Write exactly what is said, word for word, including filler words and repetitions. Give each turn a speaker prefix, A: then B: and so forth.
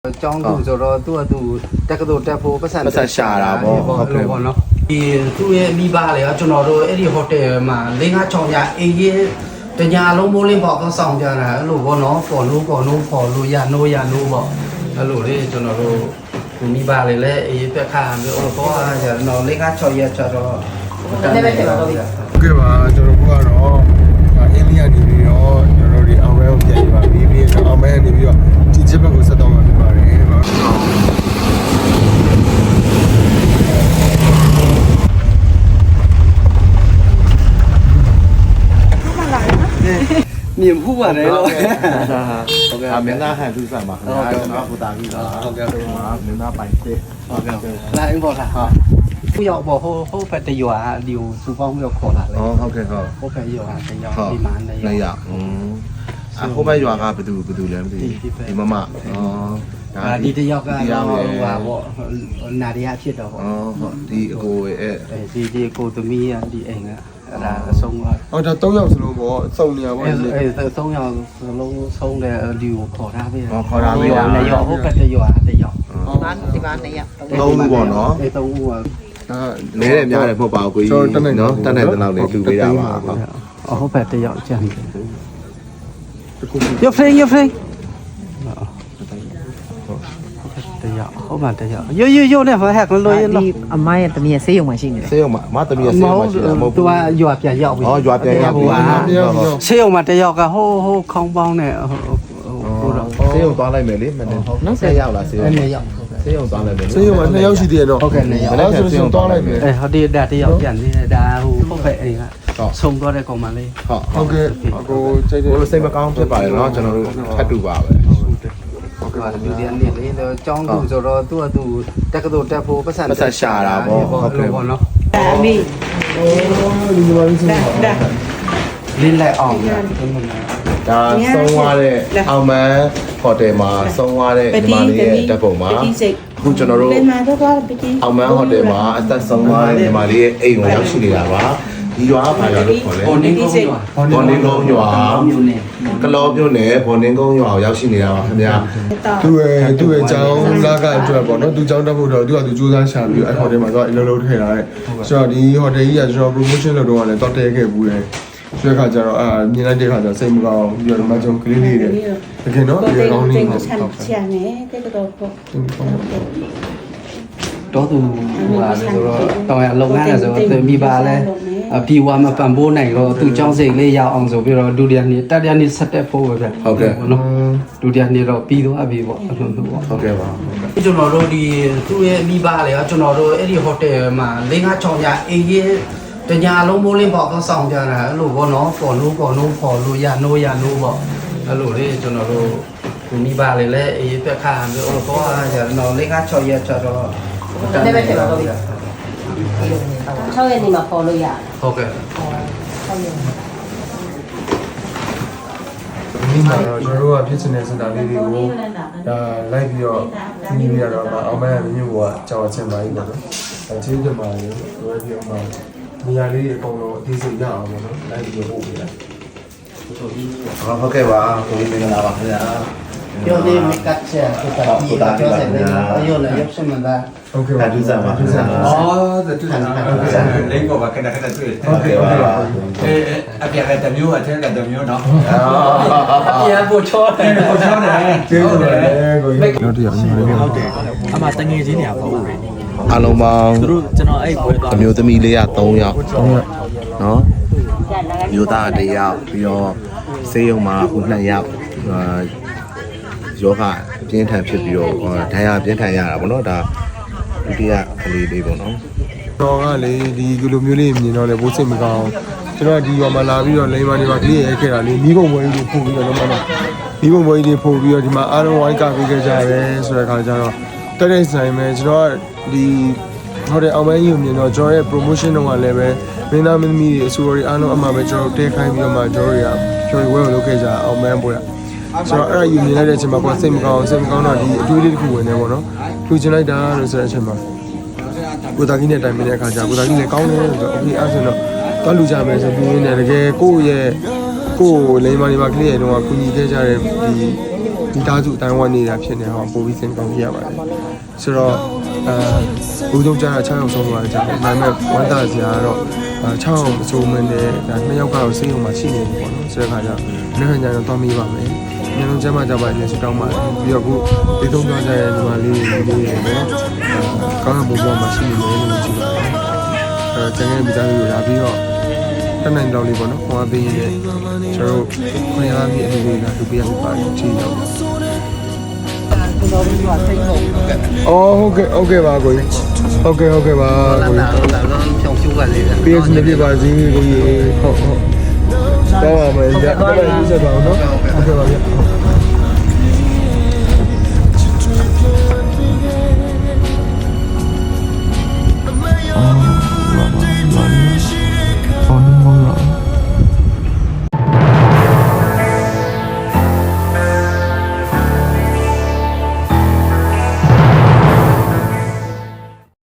A: ကျောင်းသူဆိုတော့သူ့အတူတက္ကသိုလ်တက်ဖို့ပတ်စံပတ်စံရှာတာပေါ့ဟုတ်ကဲ့ပေါ့နော်ဒီသူ့ရဲ့မိဘလေကျွန်တော်တို့အဲ့ဒီဟိုတယ်မှာ၄၅၆ညအေးရင်တညာလုံးမိုးလင်းပေါ့တော့စောင့်ကြတာအဲ့လိုပေါ့နော်ပေါ်လို့ပေါ်လို့ပေါ်လို့ရနိုးရနိုးပေါ့အဲ့လိုလေကျွန်တော်တို့မိဘလေလည်းအေးပြက်ခါမျိုးဟိုပေါ့အားကျွန်တော်၄၅၆ရက်ကျတော့တနေ့ပဲဖြစ်ပါတော့ဒီက
B: ဟုတ်ကဲ့ပါကျွန်တော်ကတော့အင်းလီယာနေပြီးတော့ကျွန်တော်တို့ဒီအောင်မဲကိုပြန်ပြီးပါပြီးပြီးတော့အောင်မဲနေပြီးတော့ဒီချစ်ဘက်ကိုဆက်တော့မှာဖြစ်ပါတယ်ပါ
A: မြင်မှုပါတယ်လို့ဟုတ်
C: ကဲ့အမင်းသားဟန်သူဆိုင်ပါခင်ဗျာကျွန်တော်ဟိုတာကြီးတော့ဟုတ်ကဲ့ပါမင်းသားပိုင်စစ်ဟုတ်ကဲ့
A: လာအင်းပေါ့လားဟာผู้ရောက်ပေါ့ဟိုဟိုဖက်တရွာဒီကိုစူပေါင်းပြီးတော့ခေါ်လာလေ
C: ဟုတ်ကဲ့ဟုတ်
A: ဟိုဖက်ရွာတရွာဒီမှာနေ
C: ရอืมအခုဘက်ရွာကဘယ်သူဘယ်သူလဲမသိဘူးဒီမမဩ
A: ဒါဒီတယောက်ကဟိုဟာပေါ့နာရီယာဖြစ်တော့ပေါ့
C: ဩဟုတ်ဒီအကိုရဲ့
A: အဲဒီဒီကိုသမီးကဒီအိမ်ကအဲ့ဒါအဆုံးက
B: ဟောဒါ၃ယောက်စလုံးပေါ့စုံနေရပေါ့
A: အဲအဲ၃ယောက်စလုံးဆုံးတဲ့ဒီကိုခေါ်ထားပေးတာ
C: ခေါ်ထားပေးတာ
A: တယောက်ဟိုဖက်တရွာတယောက်
D: ဒီမှာဒီမှာနှစ်ယောက်
C: သုံးခုပေါ့နော်
A: အဲသုံးခုက
C: နဲတယ်များတယ်မဟုတ်ပါဘူးကိုကြီးနော်တတ်နိုင်တဲ့လောက်လေးလူပေးတာပါဟုတ်
A: အဟုတ်ဖက်တယောက်ကြံတယ်ရဖေးရဖေးတယောက်ဟုတ်မှတယောက်ရိုးရိုးရိုးနဲ့ဟဲ့ကလို့ရလို့
D: အမရဲ့တမီးရဲ့ဆေးရုံမှာရှိနေတယ်
C: ဆေးရုံမှာအမတမီးရဲ့ဆေးရုံမှာရှိတယ်မဟုတ်ဘူး
A: သူကရွာပြန်ရောက်ပြီ
C: ဩရွာပြန်ရောက်ပြီ
A: ဆေးရုံမှာတယောက်ကဟိုးဟိုးခေါင်းပေါင်းနဲ့ဟိုဟိုတော့
C: ဆေးရုံသွားလိုက်မယ်လေမနေ့နောက်ဆက်ရောက်လာဆေးရုံ
A: နှစ်ယောက်
C: ဆေးရုံသွားလိုက်မယ်
B: ဆေးရုံမှာနှစ်ယောက်ရှိသေးတယ်တော့
A: ဟုတ်ကဲ့နှစ်ယောက်
B: နောက်ဆိုရင်သွားလိုက်မယ်
A: အဲဟုတ်တယ်ဒါတယောက်ပြန်နေတယ်ဒါဟိုဟုတ်ပဲအိမ်ကဆုံသွားတဲ့ကောင်မလေး
C: ဟုတ်
B: ဟုတ်ကဲ့အကိုစိတ်
C: ဟိုစိတ်မကောင်းဖြစ်ပါတယ်เนาะကျွန်တော်တို့ထပ်တူပါပဲ
A: ဟုတ်ကဲ့လူတွေအနေနဲ့တော့ကျောင်းသူဆိုတော့သူ့အတူတက္ကသိုလ်တက်ဖို့ပတ်စံ
C: ပတ်စံရှာတာပေါ့ဟုတ်ကဲ့
A: ပေါ့နော်
D: အမေ
B: အိုးဒီမှာလေးစ
D: ဒါ
A: လင်းလိုက်အောင်ညာ
C: ဒါဆုံးသွားတဲ့အောင်မန်းဟိုတယ်မှာဆုံးသွားတဲ့ဒီမလေးရဲ့တပ်ပုံမှာအခုကျွန်တော်တို့အောင်မန်းဟိုတယ်မှာအသက်ဆုံးသွားတဲ့ဒီမလေးရဲ့အိမ်ကိုရောက်ရှိနေတာပါဒီရွာကဘာရွာလို့ခေါ်လဲ
A: ဘော်နင်းကုန်းရွာ
C: ဘော်နင်းကုန်းရွာကလောမြို့နယ်ဘော်နင်းကုန်းရွာကိုရောက်ရှိနေတာပါခင်ဗျာ
B: သူ့ရဲ့သူ့ရဲ့ကျောင်းလာကအတွက်ပေါ့နော်သူကျောင်းတက်ဖို့တော့သူကသူစူးစမ်းရှာပြီးအဲ့ဟိုတယ်မှာသူကအလုံးလုံးထည့်လာတဲ့ဆိုတော့ဒီဟိုတယ်ကြီးကကျွန်တော် promotion လုပ်တော့လည်းတော့တဲခဲ့ဘူးတယ်ဆိုတဲ့ခါကျတော့အာမြင်လိုက်တဲ့ခါကျစိတ်မကောင်းပြီးတော့မှကျွန်တော်ကလေးလေးတွေတကယ်တော့ဒီကောင်းလေးကိုဆောက်
D: ချင်တယ်တဲ့တော့ပေါ့
A: တော့သူဟိုဟာဆိုတော့တောင်ရလုပ်ငန်းလဲဆိုတော့မိပါလဲပြီဝါမပန်ဖိုးနိုင်တော့သူကျောင်းစိတ်လေးရအောင်ဆိုပြီးတော့ဒုတိယနေ့တတိယနေ့ဆက်တက်ဖို့ပဲဗျ
C: ဟုတ်ကဲ့
A: နော်ဒုတိယနေ့တော့ပြီးသွားပြီပေါ့အဲ့လိုမျိုးပေါ့
C: ဟုတ်ကဲ့ပါ
A: ကျွန်တော်တို့ဒီသူ့ရဲ့မိဘလေကျွန်တော်တို့အဲ့ဒီဟိုတယ်မှာ၄၅၆ညအေးရင်တညာလုံးမိုးလင်းပေါ့တော့စောင့်ကြတာအဲ့လိုပေါ့နော်ပေါ်လို့ပေါ်လို့ပေါ်လို့ရနိုးရနိုးပေါ့အဲ့လိုလေကျွန်တော်တို့မိဘလေလည်းအေးပြက်ခါမျိုးဟိုပေါ့အားကျွန်တော်၄၅၆ရက်ကျတော့
D: တနေ့ပဲဖြစ်ပါတော့ဒီက၆ရက်နေမှာပေါ်လို့ရတယ်
A: ဟုတ်ကဲ့
D: ဟုတ်ရက်
B: ဒီမှာတော့ကျွန်တော်တို့ကဖြစ်ချင်တဲ့စတာလေးတွေကိုဒါလိုက်ပြီးတော့ဒီနေ့ရတော့အောင်မဲမြို့ကကြောက်ချင်းပါကြီးပေါ့နော်အချင်းချင်းပါလေဝယ်ပြီးတော့နေရာလေးအကုန်လုံးအသေးစိတ်ရအောင်ပေါ့နော်လိုက်ပြီးတော့ပို့ပေးလိုက်
C: ဟုတ်ကဲ့ပါကိုကြီးမင်္ဂလာပါခင်ဗျာ
A: ပြောသေးမကတ်ချက်ကိုတာဒီကပြောစက်လေးအယောလည်းရုပ်ရှင်မသား
B: ဟုတ်ကဲ့ပါ
C: ဒုစံပါဒုစံပါ
E: အော်ဒုစံပါလိမ့်ပေါ်ပါခဏခဏတွေ့တယ်
C: ဟုတ်ကဲ့ပါ
E: အဲအပြာကတမျိုးအထက်ကတမျိုးနော်
A: အပြာပို့ချောတယ်
E: ပို့ချောတယ်
B: ကျေးဇူးတယ်ကိုကြီး
F: တော့တရားရှိတယ်ဟုတ်တယ်အမှတငယ်ချင်းနေရပေါ့
C: အားလုံးပေါင်း
F: သူတို့ကျွန်တော်အဲ့ပွဲသွား
C: အမျိုးသမီးလေးက၃ယောက်၃ယောက်နော်မျိုးသားတစ်ယောက်ပြီးတော့ဆေးရုံမှာအခုနှစ်ယောက်ယောဂအပြင်းထန်ဖြစ်ပြီးတော့ဒဏ်ရာပြင်းထန်ရတာပေါ့နော်ဒါဒုတိယကလေးလေးပေါ့နော်
B: တော့ကလေဒီလိုမျိုးလေးမြင်တော့လေဘိုးစိတ်မကောင်းကျွန်တော်ဒီရွာမှာလာပြီးတော့လိမ္မာနေပါကလေးရဲခဲ့တာလေမိဘဝကြီးတွေပို့ပြီးတော့တော့မိဘဝကြီးတွေပို့ပြီးတော့ဒီမှာအားလုံးဝိုင်းကပေးခဲ့ကြတယ်ဆိုတဲ့ခါကျတော့တက်တဲ့ဆိုင်မှာကျွန်တော်ကဒီဟိုတယ်အောင်မန်းကြီးကိုမြင်တော့ကျွန်တော်ရဲ့ promotion တော့လည်းပဲမင်းသားမင်းသမီးတွေအစိုးရအားလုံးအမှပဲကျွန်တော်တဲခိုင်းပြီးတော့မှကျွန်တော်တွေကဖြော်ဝဲဝဲလုပ်ခဲ့ကြအောင်မန်းပွဲဆိုတော့အဲ့ဒါယူမြင်လိုက်တဲ့အချိန်မှာကိုယ်စိတ်မကောင်းစိတ်မကောင်းတော့ဒီအတွေးလေးတစ်ခုဝင်နေပေါ့နော်လူချင်လိုက်တာလို့ဆိုတဲ့အချိန်မှာကိုသားကြီးနဲ့တိုင်ပင်တဲ့အခါကျကိုသားကြီးလည်းကောင်းတယ်ဆိုတော့အခုအဲ့ဆိုတော့တော့လူကြမယ်ဆိုပြီးနေတကယ်ကိုယ့်ရဲ့ကိုယ်လိမ္မာနေမှာကလေးရဲ့တော့ကုညီခဲ့ကြတဲ့ဒီဒီသားစုအတိုင်းဝန်းနေတာဖြစ်နေဟောပို့ပြီးစင်ကောင်းပြရပါတယ်ဆိုတော့အဲဘူးဆုံးကြားတာ6ယောက်ဆုံးသွားကြတယ်ဒါပေမဲ့ဝမ်းသာစရာကတော့6ယောက်အစိုးမင်းနဲ့ဒါ2ယောက်ကတော့စေးရုံမှာရှိနေတယ်ပေါ့နော်ဆိုတဲ့ခါကျနောက်ထပ်ညတော့သွားမေးပါမယ်ညလုံးကျမကြပါလေစတောင်းပါတယ်ပြီးတော့ခုဒီသုံးသွားကြတဲ့ညီမလေးတွေလေးတွေပေါ့ကောင်းတဲ့ဘုံဘဝမှာရှိနေတယ်လို့ကြည့်ပါတယ်အဲကျန်တဲ့မိသားစုတွေလာပြီးတော့တနိုင်လောက်လေးပေါ့နော်ခွန်အားပေးရတဲ့ကျွန်တော်တို့ခွန်အားပေးအနေနဲ့လာလုပ်ပြရပါတယ်ကြည့်တော့အော်ဟုတ်ကဲ့ဟုတ်ကဲ့ပါကိုကြီးဟုတ်ကဲ့ဟုတ်ကဲ့ပါကိုကြီး
A: လာတော့ဖြောင်းဖြူကလေး
B: ပေးစနေပြပါစီကိုကြီးဟုတ်ဟုတ်တော့ပါမယ်ညတော့ယူဆက်ပါအောင်နော်ဟုတ်ကဲ့ပါဗျ